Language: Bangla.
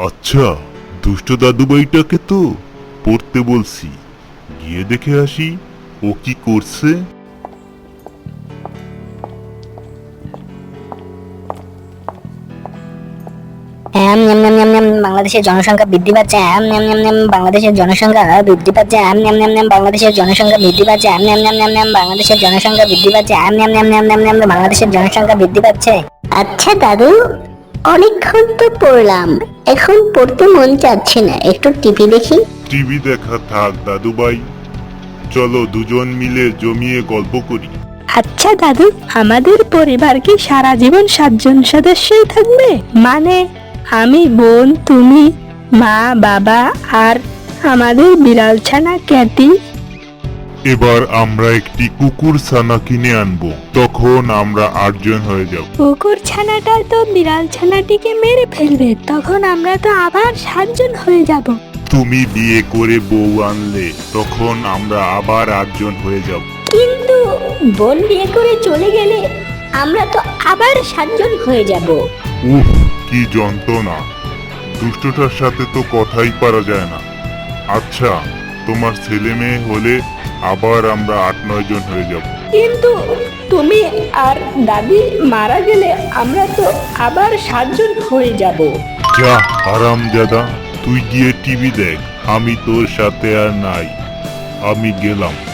আচ্ছা, দুষ্ট দাদুভাইটাকে তো পড়তে বলছি, গিয়ে দেখে আসি ও কি করছে। বাংলাদেশের জনসংখ্যা বৃদ্ধি পাচ্ছে। বাংলাদেশের জনসংখ্যা বৃদ্ধি পাচ্ছে। বাংলাদেশের জনসংখ্যা বৃদ্ধি পাচ্ছে। বাংলাদেশের জনসংখ্যা বৃদ্ধি পাচ্ছে। বাংলাদেশের জনসংখ্যা বৃদ্ধি পাচ্ছে। আচ্ছা দাদু, অনেকক্ষণ তো পড়লাম, এখন পড়তে মন চাচ্ছে না, একটু টিভি দেখি। টিভি দেখা থাক দাদুভাই, চলো দুজন মিলে জমিয়ে গল্প করি। আচ্ছা দাদু, আমাদের পরিবার কি সারা জীবন 7 জন সদস্যই থাকবে? মানে আমি, বোন, তুমি, মা, বাবা আর আমাদের বিড়াল ছানা ক্যাটি। এবার আমরা একটি কুকুর ছানা কিনে আনবো, তখন আমরা 8 জন হয়ে যাব। কুকুর ছানাটা তো বিড়াল ছানাটিকে মেরে ফেলবে, তখন আমরা তো আবার 7 জন হয়ে যাব। তুমি বিয়ে করে বউ আনলে তখন আমরা আবার 8 জন হয়ে যাব। কিন্তু বোন বিয়ে করে চলে গেলে আমরা তো আবার 7 জন হয়ে যাব। উফ, কি যন্ত্রণা! দুষ্টটার সাথে তো কথাই পারা যায় না। আচ্ছা, তোমার ছেলে মেয়ে হলে আবার আমরা 8-9 জন হয়ে যাব। কিন্তু তুমি আর দাদি মারা গেলে আমরা তো আবার 7 জন হয়ে যাব। যা হারামজাদা, তুই গিয়ে টিভি দেখ, আমি তোর সাথে আর নাই, আমি গেলাম।